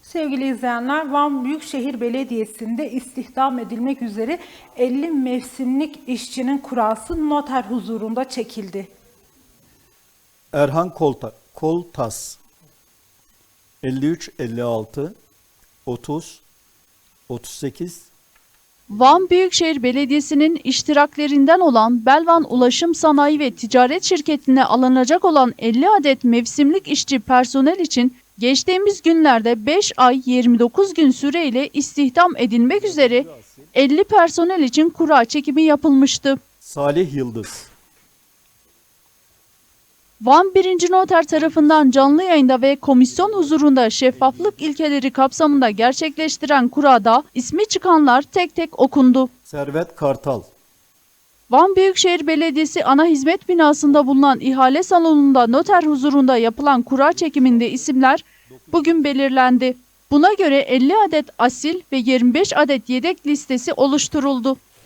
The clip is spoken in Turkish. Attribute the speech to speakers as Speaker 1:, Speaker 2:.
Speaker 1: Sevgili izleyenler, Van Büyükşehir Belediyesi'nde istihdam edilmek üzere 50 mevsimlik işçinin kurası noter huzurunda çekildi.
Speaker 2: Erhan Koltas 53 56 30 38
Speaker 3: Van Büyükşehir Belediyesi'nin iştiraklerinden olan Belvan Ulaşım Sanayi ve Ticaret Şirketi'ne alınacak olan 50 adet mevsimlik işçi personel için geçtiğimiz günlerde 5 ay 29 gün süreyle istihdam edilmek üzere 50 personel için kura çekimi yapılmıştı.
Speaker 2: Salih Yıldız
Speaker 3: Van 1. Noter tarafından canlı yayında ve komisyon huzurunda şeffaflık ilkeleri kapsamında gerçekleştiren kurada ismi çıkanlar tek tek okundu.
Speaker 2: Servet Kartal
Speaker 3: Van Büyükşehir Belediyesi ana hizmet binasında bulunan ihale salonunda noter huzurunda yapılan kura çekiminde isimler bugün belirlendi. Buna göre 50 adet asil ve 25 adet yedek listesi oluşturuldu.